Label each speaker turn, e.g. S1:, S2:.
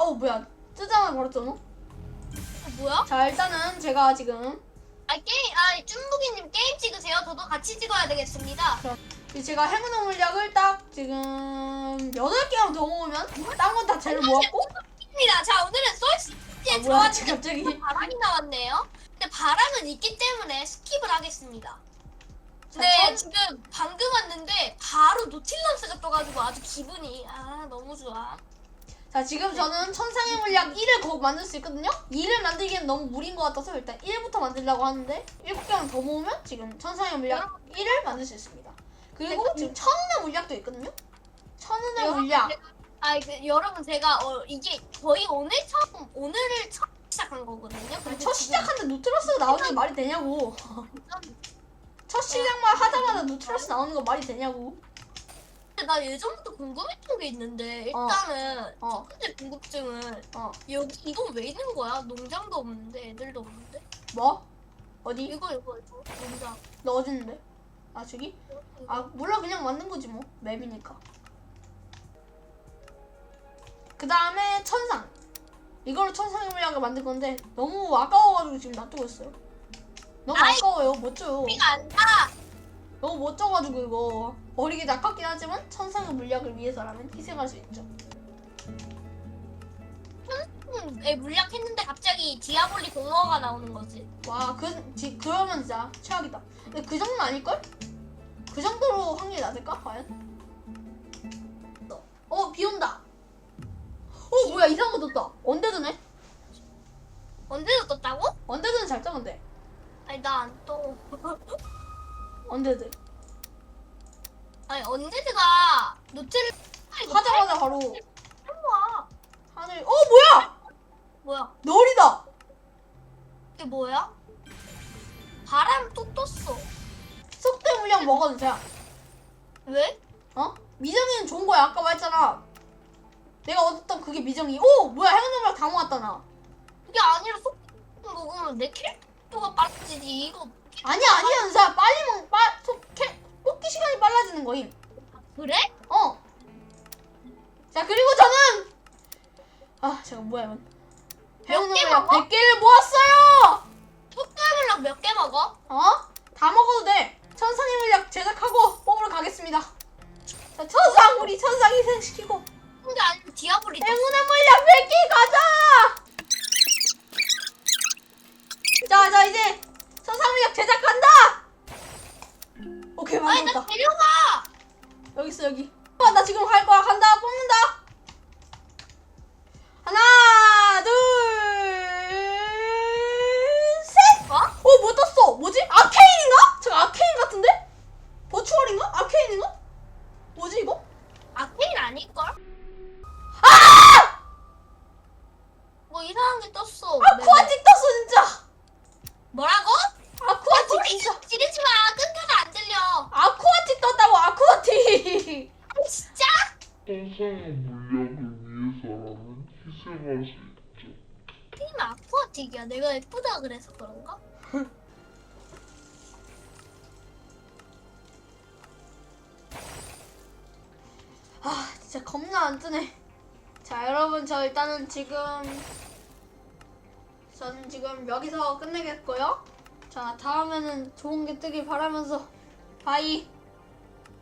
S1: 뭐야 뜨자마자 버렸잖아.
S2: 뭐야?
S1: 자 일단은 제가 지금
S2: 쭈무기님 게임 찍으세요. 저도 같이 찍어야 되겠습니다.
S1: 제가 행운의 물약을 딱 지금 8개만 더 모으면 딴 건 다 재료 모았고.
S2: 입니다. 자, 오늘은 솔스티에
S1: 뭐야
S2: 들어왔는데
S1: 갑자기.
S2: 바람이 나왔네요. 근데 바람은 있기 때문에 스킵을 하겠습니다.
S1: 자,
S2: 네, 지금 방금 왔는데 바로 노틸러스가 떠가지고 아주 기분이 너무 좋아.
S1: 자 지금 저는 천상의 물약 1을 거 만들 수 있거든요. 2를 만들기엔 너무 무리인 것 같아서 일단 1부터 만들려고 하는데 7개만 더 모으면 지금 천상의 물약 1을 만들 수 있습니다. 그리고 지금 천운의 물약도 있거든요. 천운의 물약.
S2: 여러분 제가 이게 거의 오늘을 처음 시작한 거거든요.
S1: 첫 시작하는데 노트러스가 나오는 게 말이 되냐고. 첫 시작만 하자마자 노트러스 나오는 거 말이 되냐고.
S2: 근데 나 예전부터 궁금했던 게 있는데 일단은 첫 번째 궁금증은 여기 이건 왜 있는 거야? 농장도 없는데 애들도 없는데.
S1: 뭐? 어디?
S2: 이거 농장.
S1: 너 어디 있는데? 아 저기? 아 몰라 그냥 만든 거지 뭐 맵이니까. 그 다음에 천상. 이걸로 천상의 물약을 만들 건데 너무 아까워가지고 지금 놔두고 있어요. 너무 아까워요. 멋져요.
S2: 피가 안 나.
S1: 너무 멋져가지고 이거 버리기 아깝긴 하지만 천상의 물약을 위해서라면 희생할 수 있죠.
S2: 물약 했는데 갑자기 디아볼리 공허가 나오는 거지.
S1: 와 그러면 진짜 최악이다. 근데 그 정도는 아닐걸? 그 정도로 확률이 낮을까? 과연? 비 온다. 뭐야 이상한 거 떴다. 언데드네?
S2: 언제도 떴다고?
S1: 언데드는 잘 떠는데.
S2: 아니 나 안 떠.
S1: 언데드
S2: 언제드가 노트를
S1: 하자마자 바로
S2: 와.
S1: 하늘. 뭐야?
S2: 뭐야?
S1: 널이다.
S2: 이게 뭐야? 바람 또 떴어.
S1: 속대 물량 먹어도 돼.
S2: 왜?
S1: 미정이는 좋은 거야. 아까 말했잖아. 내가 얻었던 그게 미정이. 뭐야 행운의 물약 다 모았다 나.
S2: 그게 아니라 속 먹으면 내 캐릭터가 빠지지 이거.
S1: 아니야 은사. 빨리 뽑기 시간이 빨라지는 거임.
S2: 그래?
S1: 자 그리고 저는 제가 뭐야 이건. 행운의
S2: 개
S1: 물약
S2: 먹어?
S1: 100개를 모았어요.
S2: 속담물락 몇 개 먹어?
S1: 다 먹어도 돼. 천상의 물약 제작하고 뽑으러 가겠습니다. 자 우리 천상 희생시키고
S2: 근데 아니면 디아볼리 떴어.
S1: 행운의 물약 100개 가자. 자 이제 천상 물약 제작한다. 오케이
S2: 아니
S1: 만들었다.
S2: 나 데려가.
S1: 여기 있어 여기. 나 지금 갈 거야. 간다. 뽑는다. 하나 둘 셋. 뭐 떴어? 뭐지? 아케인인가? 저거 아케인 같은데? 버추얼인가? 아케인인가? 뭐지 이거?
S2: 아케인 아닐걸? 뭐 이상한 게 떴어.
S1: 아쿠아틱 떴어 진짜.
S2: 뭐라고?
S1: 아쿠아틱 진짜.
S2: 지르지 마. 끊겨서 안 들려.
S1: 아쿠아틱 떴다고. 아쿠아틱.
S2: 진짜?
S3: 천상의 물약을 위해서라면 희생할 수 있죠.
S2: 게임 아쿠아틱이야. 내가 예쁘다 그래서 그런가?
S1: 진짜 겁나 안 뜨네. 자 여러분 저는 지금 여기서 끝내겠고요. 자 다음에는 좋은 게 뜨길 바라면서 바이.